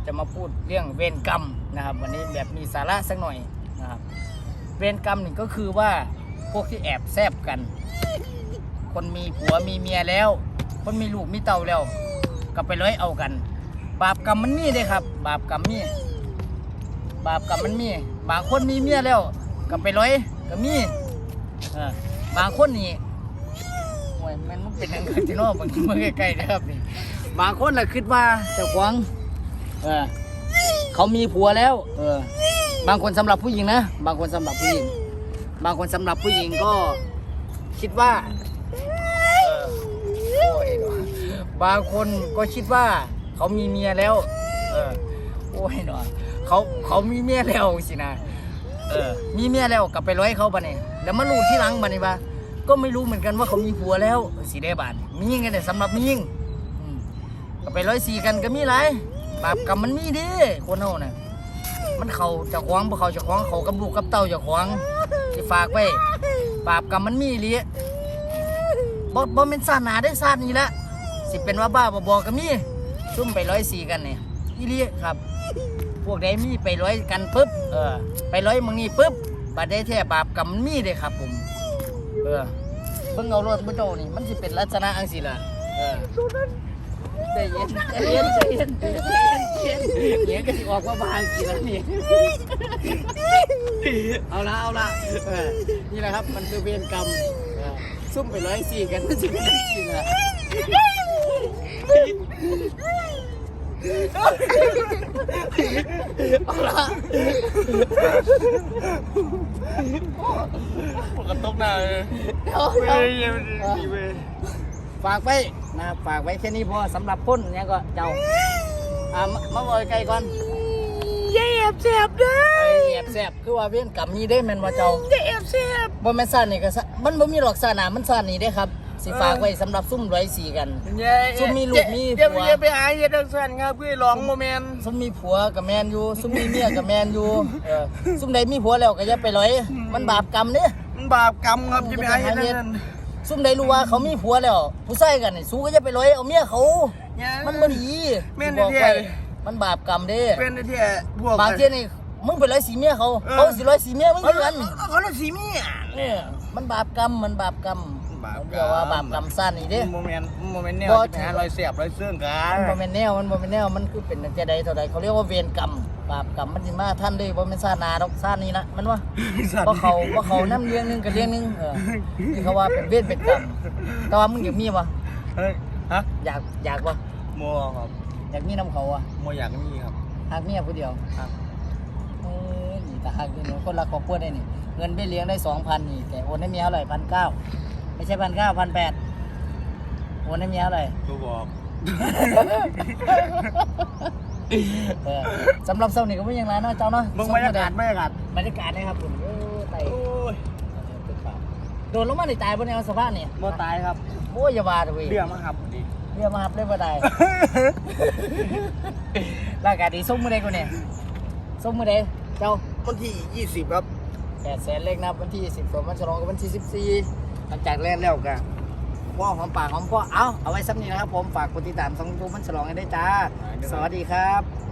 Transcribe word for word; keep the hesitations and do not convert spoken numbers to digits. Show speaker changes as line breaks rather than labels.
จะมาพูดเรื่องเวรกรรมนะครับวันนี้แบบมีสาระสักหน่อยนะครับเวรกรรมนี่ก็คือว่าพวกที่แอบแซบกัน คนมีผัวมีเมียแล้วคนมีลูกมีเต่าแล้วก็ไปร้อยเอากันบาปกรรมมันมีเลยครับบาปกรรมมีบาปกรรมมันมีบางคนมีเมียแล้วก็ไปร้อยก็มีเออบางคนนี่โอ้ยมันมันเป็นยังไงที่นอกบางทีมันใกล้ๆนะครับนี่บางคนน่ะคิดว่าเจ้าของเออเขามีผัวแล้วเออบางคนสำหรับผู้หญิงนะบางคนสำหรับผู้หญิงบางคนสำหรับผู้หญิงก็คิดว่าบางคนก็คิดว่าเขามีเมียแล้วเออโอ้ยเนาะเขาเขามีเมียแล้วสินะเออมีเมียแล้วกลับไปร้อยเขาปะเนี่ยแล้วมารู้ที่หลังปะเนี่ยปะก็ไม่รู้เหมือนกันว่าเขามีผัวแล้วสีได้บาทมียิงกันแต่สำหรับมียิงก็ไปร้อยสี่กันก็มีไรบาปกรรมมันมีดิคนเฮาน่ะมันเขาจะคว้างพวกเขาจะคว้างเขากับลูกกับเต้าจะคว้างที่ฝากไว้บาปกรรมมันมีเลยบ่บ่เป็นศาสนาได้ศาสนี้ละสิเป็นว่าบ้าบ่บอกก็มีซุ่มไปร้อยสี่กันเนี่ยอีเลียครับพวกใดมีไปร้อยกันปุ๊บเออไปร้อยมึงนี่ปุ๊บบาดได้แท้บาปกรรมมันมีเลยครับผมเออเพิ่งเอารถบุโตนี่มันสิเป็นลักษณะอังสิล่ะเออใจเย็นใจเย็นใจเย็นใจเย็นเย็นก็สิออกว่าบางกี่แล้วนี่เอาละเอาละเออนี่แหละครับมันคือเวรกรรมซุ่มไปร้อยสี่กันมันสิเป็นอังสิล่ะเอาละ
ปกติหน้าเลย
ฝากไว้นะฝากไว้แค่นี้พอสำหรับคนเนี่ยก็เจ้าอ่ามาบอยไกลก่อน
อย่าแอบแสบเด้อ
แอบแสบคือว่าเวียนกรรมนี้ได้แม่นว่าเจ้า
อย่าแอบแสบ
บ่แม่นซ่านนี่ก็มันบ่มีหรอกซ่านามันซ่านนี่ได้ครับสิฝากไว้สำหรับซุ่มร้อยสี่กันซุ่มมีลูกมีผัว
อย่าไปหาเฮ็ดจังซั่นครับพี่ร้องโมเมนต์
ซุ่มมีผัวกับแมนอยู่ซุ่มมีเมียกับแมนอยู่เออซุ่มใดมีผัวแล้วก็อย่าไปร้อยมันบาปกรรมเด้
มันบาปกรรมครับอย่าไปหาเฮ็ดจังซั่น
ซุ่มใดรู้ว่าเขามีผัวแล้วผู้ชายกันนี่สู้ก็อย่าไปร้อยเอาเมียเขามันบ่ดี
แม่นแท้
มันบาปกรรมเด้
เป็นแท้พวก
บางทีนี่มึงไปร้อยสีเมียเขาเขาสิร้อยสีเมียมึงคือกัน
เขาร้อยสีเมีย
เนี่ยมันบาปกรรมมันบาปกรรมเดี๋ยวว่าบาปกรรมสั้นนี่เด้
โมเมนต์โมเมนต์แนวจะหารอยเสียบรอยเสื่องกัน
มันโมเมนต์แนวมันโมเมนต์แนวมันคือเป็นแต่ใดเท่าใดเขาเรียกว่าเวรกรรมบาปกรรมมันสิมาท่านด้วยบ่แม่นซ่านาดอกซ่านี่นะมันว่าเพราะเขาเพราะเขานำเรื่องนึงกับเรื่องนึงเออที่เขาว่าเป็นเวรเป็นกรรมแต่ว่ามึงอยากมีบ่
เฮ้ยฮะ
อยากอยากบ่
โมครับ
อยากมีน้ำเขาอ่ะ
โมอยากมีครับ
หักเมียผู้เดียวครับเออนี่แต่หักนี่คนรักครอบครัวได้นี่เงินเบี้ยเลี้ยงได้ สองพัน นี่แต่โอนให้เมียเท่าไหร่ หนึ่งพันเก้าร้อย ไม่ใช่ หนึ่งพันเก้าร้อย หนึ่งพันแปดร้อยโอนให้เมียเท่าไหร่
กูบอก
สำหรับเช้านี้ก็ไม่ยังไรเนาะเจ้าเนาะ
มึงบรรยากาศบรรยากาศ
บรรยากาศนะครับผมโอ้ไต่โดนลงมาในตายบนแนวสะพานนี่
บ่ตายครับ
โอ้ยอย่าว่าเลย
เบี้ยมาครับดิ
เบี้ยมาครับเลยบ่ตายร่างกายดีส้มมือใดกูเนี่ยส้มมือใดเจ้า
วันที่ยี่สิบครับ
แปดแสนเลขนับวันที่สิบสองวันฉลองกับวันที่สิบสี่หลังจากแรกแล้วกันพ่อหอมปากหอมพ่อเอาเอาไว้ซ้ำนี้นะครับผมฝากกดติดตามสองยูทูบมันฉลองให้ได้จ้าสวัสดีครับ